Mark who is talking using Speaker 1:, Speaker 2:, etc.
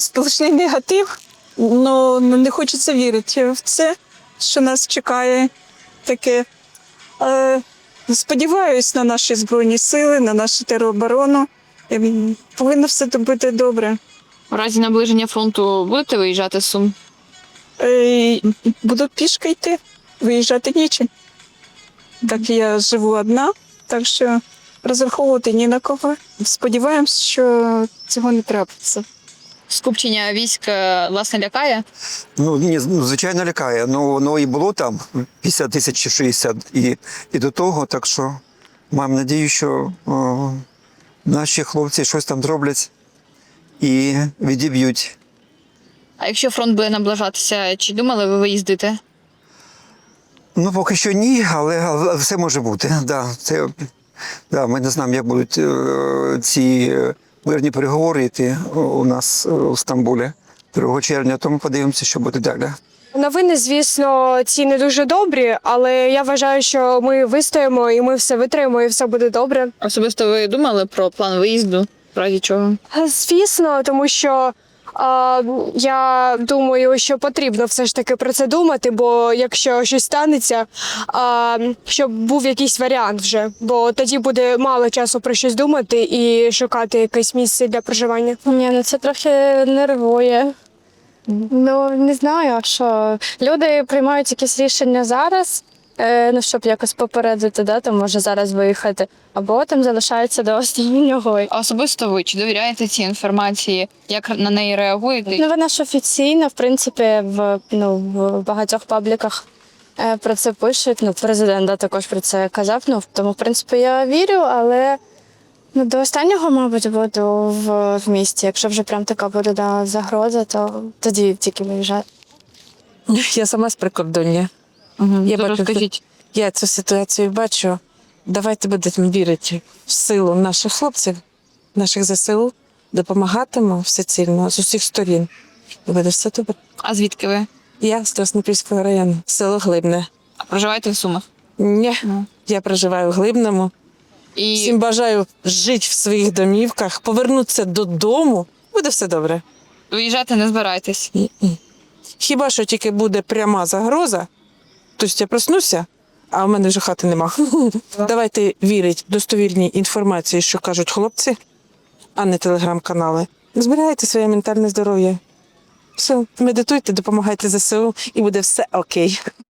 Speaker 1: сплошний негатив, але не хочеться вірити в це, що нас чекає таке. Сподіваюсь на наші Збройні сили, на нашу тероборону. Повинно все бути добре.
Speaker 2: У разі наближення фронту будете виїжджати з Сум?
Speaker 1: Буду пішки йти, виїжджати нічим. Так я живу одна, так що розраховувати ні на кого. Сподіваємось, що цього не трапиться.
Speaker 2: Скупчення військ вас не лякає?
Speaker 3: Ні, звичайно, лякає. Воно і було там 50 тисяч чи 60 і до того, так що маємо надію, що наші хлопці щось там зроблять і відіб'ють.
Speaker 2: А якщо фронт буде наближатися, чи думали ви виїздити?
Speaker 3: Поки що ні, але все може бути. Ми не знаємо, як будуть ці мирні переговори йти у нас у Стамбулі 2 червня, тому подивимося, що буде далі.
Speaker 4: Новини, звісно, ці не дуже добрі, але я вважаю, що ми вистоїмо і ми все витримаємо, і все буде добре.
Speaker 2: Особисто ви думали про план виїзду? В разі чого?
Speaker 4: Звісно, тому що я думаю, що потрібно все ж таки про це думати, бо якщо щось станеться, щоб був якийсь варіант вже, бо тоді буде мало часу про щось думати і шукати якесь місце для проживання.
Speaker 5: Ні, це трохи нервує. Не знаю, що люди приймають якісь рішення зараз, щоб якось попередити, там може зараз виїхати, або там залишаються до останнього.
Speaker 2: А особисто ви чи довіряєте цій інформації? Як на неї реагуєте?
Speaker 5: Вона ж офіційна, в принципі, в багатьох пабліках про це пишуть. Президент також про це казав. Тому, в принципі, я вірю, але до останнього, мабуть, буду в місті. Якщо вже прям така буде загроза, то тоді тільки виїжджати.
Speaker 6: Я сама з прикордоння. Я цю ситуацію бачу. Давайте будемо вірити в силу наших хлопців, наших ЗСУ. Допомагатимемо всецільно з усіх сторін. І буде все добре.
Speaker 2: А звідки ви?
Speaker 6: Я з Краснопільського району, село Глибне.
Speaker 2: А проживаєте в Сумах?
Speaker 6: Ні, я проживаю в Глибному.
Speaker 2: І
Speaker 6: Всім бажаю жити в своїх домівках, повернутися додому. Буде все добре.
Speaker 2: виїжджати не збираєтесь?
Speaker 6: Хіба що тільки буде пряма загроза, тобто я проснуся, а в мене вже хати нема. Давайте вірити достовірній інформації, що кажуть хлопці, а не телеграм-канали. Зберігайте своє ментальне здоров'я. Все, медитуйте, допомагайте ЗСУ і буде все окей.